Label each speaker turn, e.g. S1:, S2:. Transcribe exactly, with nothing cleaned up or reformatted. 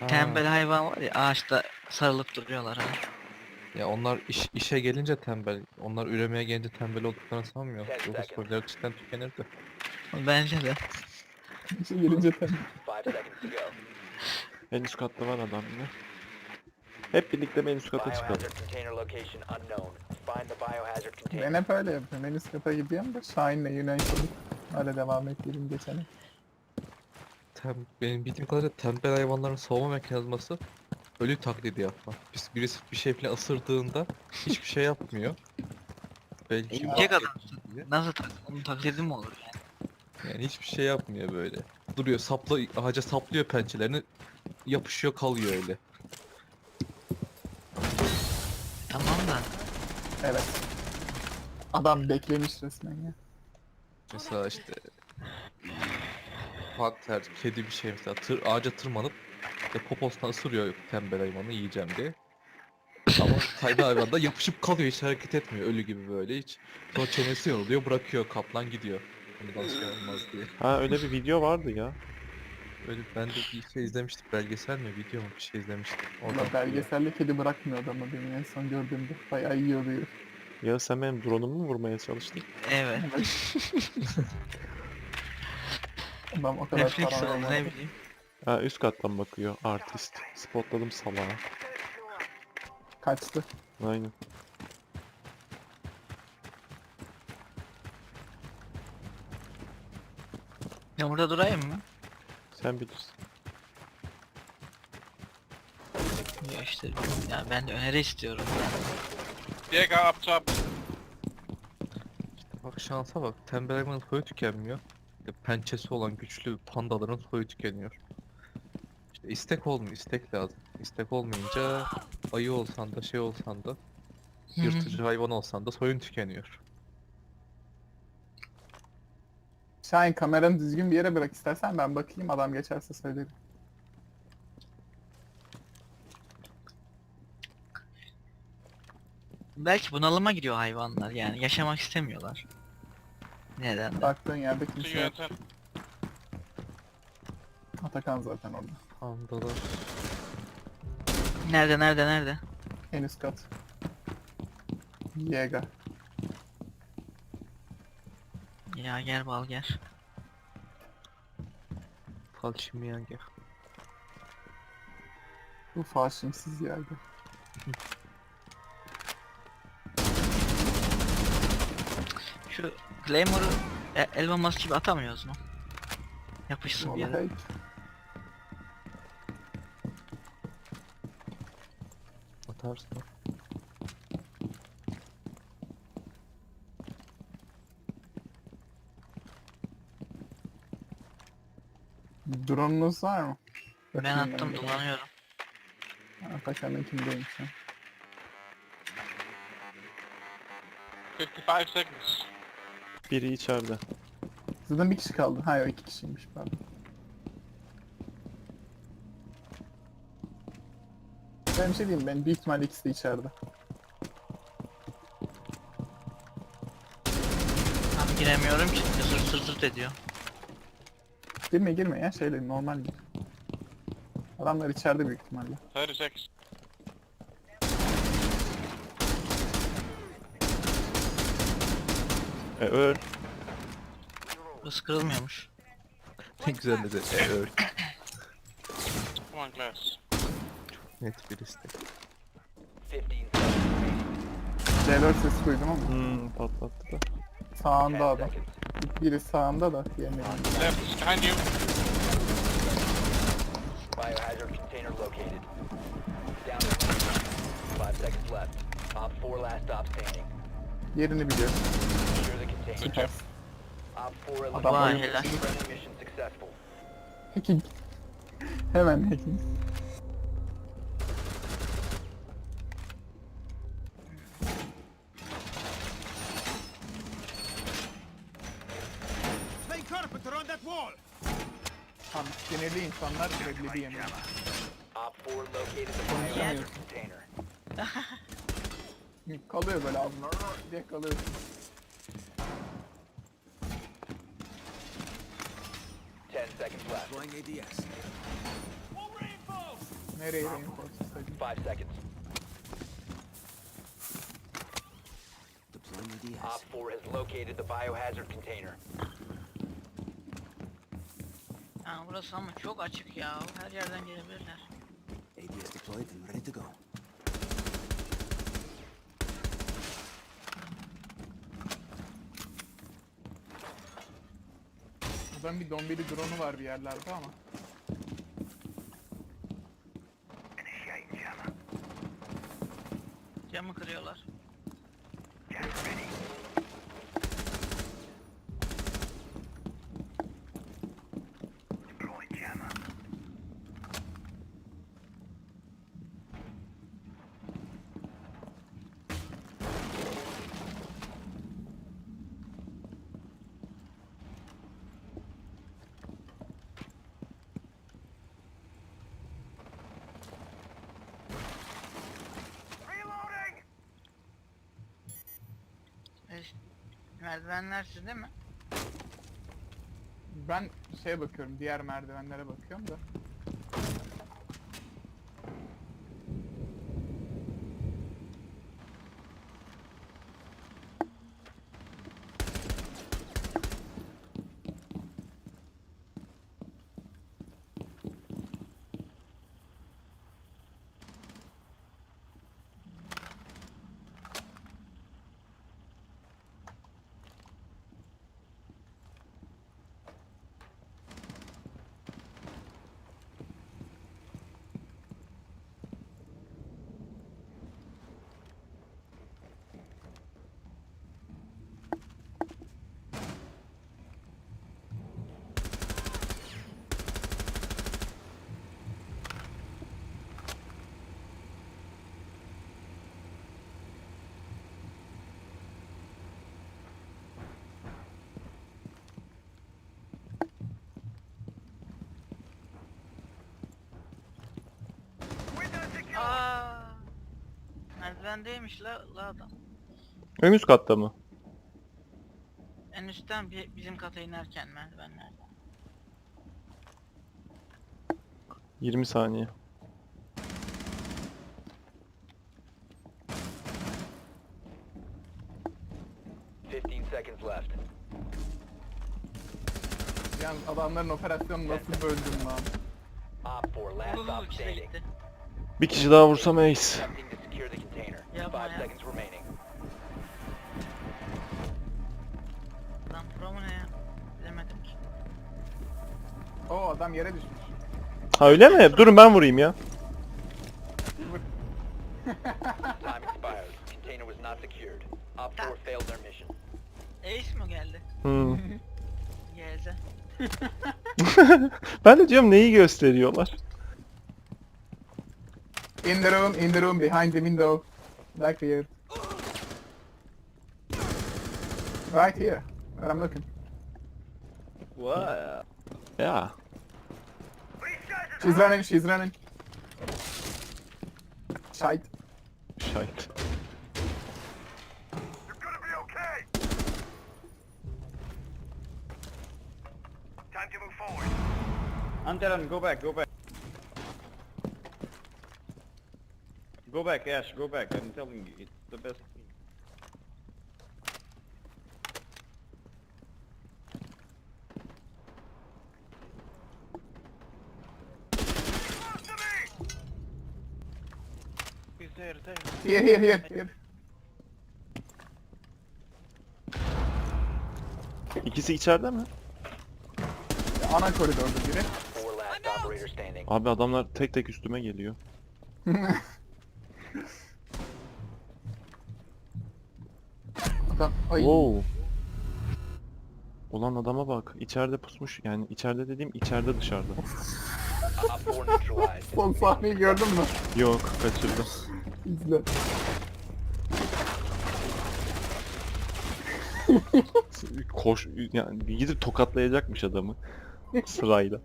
S1: Tembel hayvan var ya, ağaçta sarılıp duruyorlar ha.
S2: Ya onlar iş, işe gelince tembel. Onlar üremeye gelince tembel olduklarını sanmıyorum. Yoksa soyları cidden tükenirdi.
S1: Bence de.
S3: İşe gelince tabii.
S4: En üst katta var adam yine. Hep birlikte en üst kata çıkalım.
S3: Ben hep öyle yapıyorum. En üst kata gidiyorum da Şahin'le Yunanistan'ı öyle devam ettiğim geçene.
S2: Tem, benim bildiğim kadarıyla tembel hayvanların savunma mekanizması ölü taklidi yapma. Biz birisi bir şey falan ısırdığında hiçbir şey yapmıyor. Belki
S1: Yiyecek adam.
S2: diye.
S1: Nasıl tak? Onun taklidi mi olur yani?
S2: Yani hiçbir şey yapmıyor böyle. Duruyor, sapla ağaca saplıyor pençelerini, yapışıyor kalıyor öyle.
S1: Tamam da.
S3: Evet. Adam beklemiş resmen ya.
S2: Mesela işte panter, kedi bir şey mesela tır, ağaca tırmanıp işte poposuna ısırıyor tembel hayvanı yiyeceğim diye. Ama sahibi hayvan da yapışıp kalıyor, hiç hareket etmiyor ölü gibi böyle hiç. Sonra çenesi yoruluyor, bırakıyor, kaplan gidiyor. Bundan şey olmaz diye.
S4: Ha öyle bir video vardı ya.
S2: Öyle ben de bir şey izlemiştim, belgesel mi video mu bir şey izlemiştim. Oradan
S3: Valla belgeselde kedi bırakmıyor adamı benim en son gördüğümde. Bayağı yiyor diyor.
S4: Ya sen benim drone'umu mu vurmaya çalıştın?
S1: Evet.
S3: Adam o kadar
S1: Refleks
S3: para
S1: oldu ne
S3: alamadı.
S1: bileyim.
S4: Ha üst kattan bakıyor artist. Spotladım salağı.
S3: Kaçtı.
S4: Aynen.
S1: Ya burada durayım mı?
S4: Sen bilirsin.
S1: Ya işte ya ben de öneri istiyorum.
S5: Jäger up top.
S2: Bak şansa bak, tembel hayvanın soyu tükenmiyor. İşte pençesi olan güçlü pandaların soyu tükeniyor. İşte istek olmuyor, istek lazım. İstek olmayınca ayı olsan da şey olsan da yırtıcı hayvan olsan da soyun tükeniyor.
S3: Şahin kameranı düzgün bir yere bırak istersen ben bakayım adam geçerse söylerim.
S1: Belki bunalıma giriyor hayvanlar yani yaşamak istemiyorlar. Neden de?
S3: Baktığın yerde
S5: See
S3: kimse
S5: you
S3: yok.
S5: at ten.
S3: Atakan zaten orada.
S2: Pandalar.
S1: Nerede nerede nerede?
S3: En üst kat. Yega.
S1: Ya gel bal gel.
S2: Falçimiyange.
S3: Bu faşimsiz yerde.
S1: Şu Claymore'u e, Elon Musk gibi atamıyoruz mu? Yapışsın bir yere.
S3: Vallahi
S2: Atarsın.
S3: drone'unuz var mı?
S1: Ben
S3: Bakayım
S1: attım
S3: yanımda.
S1: dolanıyorum.
S3: Atakan'ınkindeymiş ha.
S5: fifty-five seconds.
S4: Biri içeride.
S3: Zaten bir kişi kaldı. Hayır o iki kişiymiş pardon. Ben bir şey diyeyim ben büyük ihtimalle ikisi de içeride.
S1: Abi giremiyorum ki sır sır sır ediyor.
S3: Girme girme ya şeyle normal gir. Adamlar içeride büyük ihtimalle.
S5: thirty seconds.
S4: E öl.
S1: Burası kırılmıyormuş.
S2: Ne güzel dedi. E, öyle.
S5: Come on, Glass.
S2: Net bir istek.
S3: C dört sesi duydum ama
S4: Hmm patlattı da.
S3: sağında adam. Biri sağında da diğerini
S5: Left is behind you.
S6: Biohazard container located. Down to five seconds left. Op four last stop standing.
S3: yerini biliyor.
S6: Secure the container.
S3: Süper.
S6: Op four
S3: Adam
S1: Vay
S6: eliminated.
S1: helal.
S6: Friendly mission successful.
S3: Hacking. Hemen hacking. Tam sinirli insanlar leblebi yemiyor.
S6: Op four located the biohazard container.
S3: Kalıyor böyle ağzına diye kalıyor.
S6: Ten seconds left.
S3: Nereye reinforce istedim?
S6: Five seconds.
S7: Deploying the D
S6: Op
S7: S.
S6: four has located the biohazard container.
S1: Ha, burası ama çok açık ya. Her yerden gelebilirler.
S7: A D S deployed and ready to go.
S3: Buradan bir dombili drone'u var bir yerlerde ama.
S1: Camı kırıyorlar. E, merdivenler sizde mi?
S3: Ben şeye bakıyorum, diğer merdivenlere bakıyorum da.
S1: Aa, merdivendeymiş la, la adam.
S4: En üst katta mı?
S1: En üstten bir, bizim kata inerken merdivenlerden.
S4: yirmi saniye.
S6: Fifteen seconds left.
S3: Yalnız adamların operasyonu nasıl böldüm lan?
S6: Op four last
S1: Vuruldu,
S6: stop
S1: ikisi de
S6: standing.
S1: gitti.
S4: Bir kişi daha vursam ace.
S6: Attempting to secure the container.
S1: Yapma
S6: Five
S1: ya.
S6: seconds remaining.
S1: Lan pro mu ne ya? Bilemedim ki.
S3: Oo adam yere düşmüş.
S4: Ha öyle mi? Durun ben vurayım ya.
S6: Time expired. Container was not secured. Op four failed their mission.
S1: Ace mi geldi?
S4: Hmm.
S1: Geze.
S4: Ben de diyorum neyi gösteriyorlar.
S3: In the room, in the room, behind the window. Back here. Right here, where I'm looking.
S4: What? Ya.
S3: She's running, she's running. Shite.
S4: Şahit.
S8: Antaran, go back, go back. Go back, Ash, go back. I'm telling you, it's the best thing.
S5: He's there, there.
S3: Here, here, here, here.
S4: İkisi içeride mi?
S3: Ana koridorda biri.
S6: Four last operator standing.
S4: Abi adamlar tek tek üstüme geliyor.
S3: Adam, ay.
S4: Wow. Ulan adama bak. İçeride pusmuş. Yani içeride dediğim içeride dışarıda.
S6: Op four neutralized.
S3: Son sahneyi gördün mü?
S4: Yok kaçırdım.
S3: İzle.
S4: Koş yani gidip tokatlayacakmış adamı sırayla.